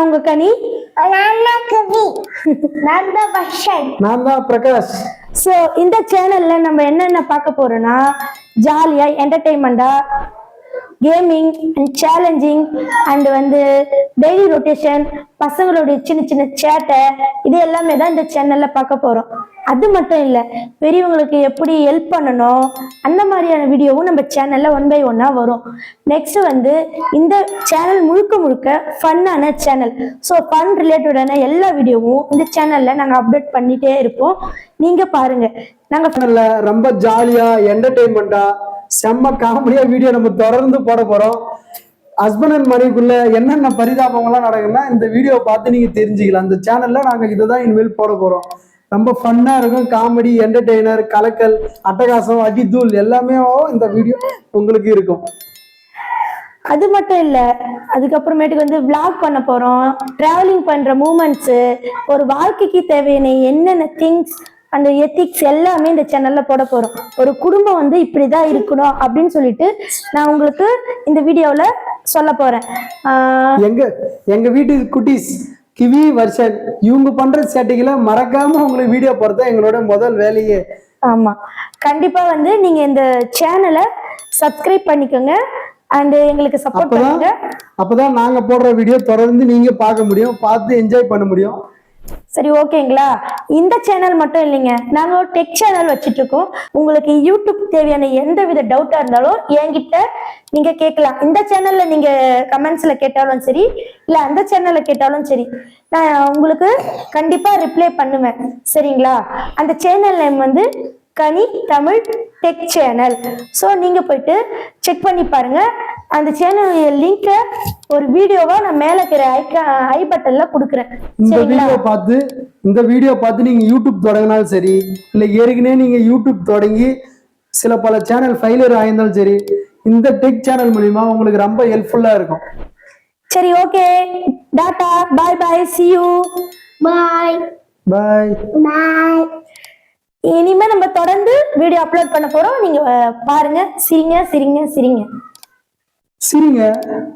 உங்க கனி. நான் தான் பிரகாஷ். ஸோ இந்த சேனல்ல நம்ம என்னென்ன பார்க்க போறோம்னா, ஜாலியா என்டர்டெயின்மெண்டா கேமிங் அண்ட் சேலஞ்சிங் அண்ட் வந்து டெய்லி ரொட்டேஷன், பசங்களுடைய சின்ன சின்ன சேட்டை, இது எல்லாமே தான் இந்த சேனல்ல பார்க்க போறோம். அது மட்டும் இல்லை, பெரியவங்களுக்கு எப்படி ஹெல்ப் பண்ணணும் அந்த மாதிரியான வீடியோவும் நம்ம சேனல்ல 1 by 1 வரும். நெக்ஸ்ட் வந்து இந்த சேனல் முழுக்க முழுக்க ஃபன்னான சேனல். ஸோ ஃபன் ரிலேட்டடான எல்லா வீடியோவும் இந்த சேனல்ல நாங்கள் அப்டேட் பண்ணிட்டே இருப்போம். நீங்க பாருங்க. நாங்க ரொம்ப ஜாலியா என்டர்டெயின்மெண்டா செம்ம காமெடியா வீடியோ நம்ம தொடர்ந்து போட போறோம். ஹஸ்பண்ட் அண்ட் மனைவிக்குள்ள என்னென்ன பரிதாபங்கள்லாம் நடக்குன்னா இந்த வீடியோ பார்த்து நீங்க தெரிஞ்சுக்கலாம். அந்த சேனல்ல நாங்க இதுதான் இனிமேல் போட போறோம். ரொம்ப ஃபன்னா இருக்கும். காமெடி, என்டர்டெய்னர், கலக்கல், அட்டகாசம், அடித்தூள் எல்லாமே இந்த வீடியோ உங்களுக்கு இருக்கும். அது மட்டும் இல்ல, அதுக்கப்புறமேட்டுக்கு வந்து விளாக் பண்ண போறோம். டிராவலிங் பண்ற மூமெண்ட்ஸ், ஒரு வாழ்க்கைக்கு தேவையான என்னென்ன திங்ஸ், அந்த எத்திக்ஸ் எல்லாமே இந்த சேனல்ல போட போறோம். ஒரு குடும்பம் வந்து இப்படிதான் இருக்கணும் அப்படின்னு சொல்லிட்டு நான் உங்களுக்கு இந்த வீடியோல சொல்ல போறேன். எங்க வீட்டு குட்டீஸ் கிவி வருஷன் இவங்க பண்ற சேட்டைகளை மறக்காம உங்களுக்கு வீடியோ போறதா எங்களோட முதல் வேலையே. ஆமா, கண்டிப்பா வந்து நீங்க இந்த சேனலை சப்ஸ்கிரைப் பண்ணிக்கோங்க அண்ட் எங்களுக்கு சப்போர்ட் பண்ணுங்க. அப்பதான் நாங்க போடுற வீடியோ தொடர்ந்து நீங்க பார்க்க முடியும், பார்த்து என்ஜாய் பண்ண முடியும். சரி, ஓகேங்களா? இந்த சேனல் மட்டும் இல்லைங்க, நாங்க ஒரு டெக் சேனல் வச்சுட்டு இருக்கோம். உங்களுக்கு யூடியூப் தேவையான எந்த வித டவுட்டா இருந்தாலும் என்கிட்ட நீங்க கேட்கலாம். இந்த சேனல்ல நீங்க கமெண்ட்ஸ்ல கேட்டாலும் சரி, இல்ல அந்த சேனல்ல கேட்டாலும் சரி, நான் உங்களுக்கு கண்டிப்பா ரிப்ளை பண்ணுவேன். சரிங்களா? அந்த சேனல் நேம் வந்து கனி தமிழ் டெக் சேனல். ஸோ நீங்க போயிட்டு செக் பண்ணி பாருங்க. அந்த சேனல் லிங்க ஒரு வீடியோவா நான் மேல இருக்கிற ஐ பட்டன்ல கொடுக்குறேன். இந்த வீடியோ பார்த்து நீங்க யூடியூப் தொடங்கினாலும் சரி, இல்ல ஏற்கனவே நீங்க யூடியூப் தொடங்கி சில பல சேனல் ஃபெயிலியர் ஆயிருந்தாலும் சரி, இந்த டெக் சேனல் மூலியமா உங்களுக்கு ரொம்ப ஹெல்ப்ஃபுல்லா இருக்கும். சரி, okay, tata, bye bye, see you, bye bye bye. இனிமே நம்ம தொடர்ந்து வீடியோ அப்லோட் பண்ண போறோம். நீங்க பாருங்க, சிரிங்க சிரிங்க சிரிங்க சிரிங்க.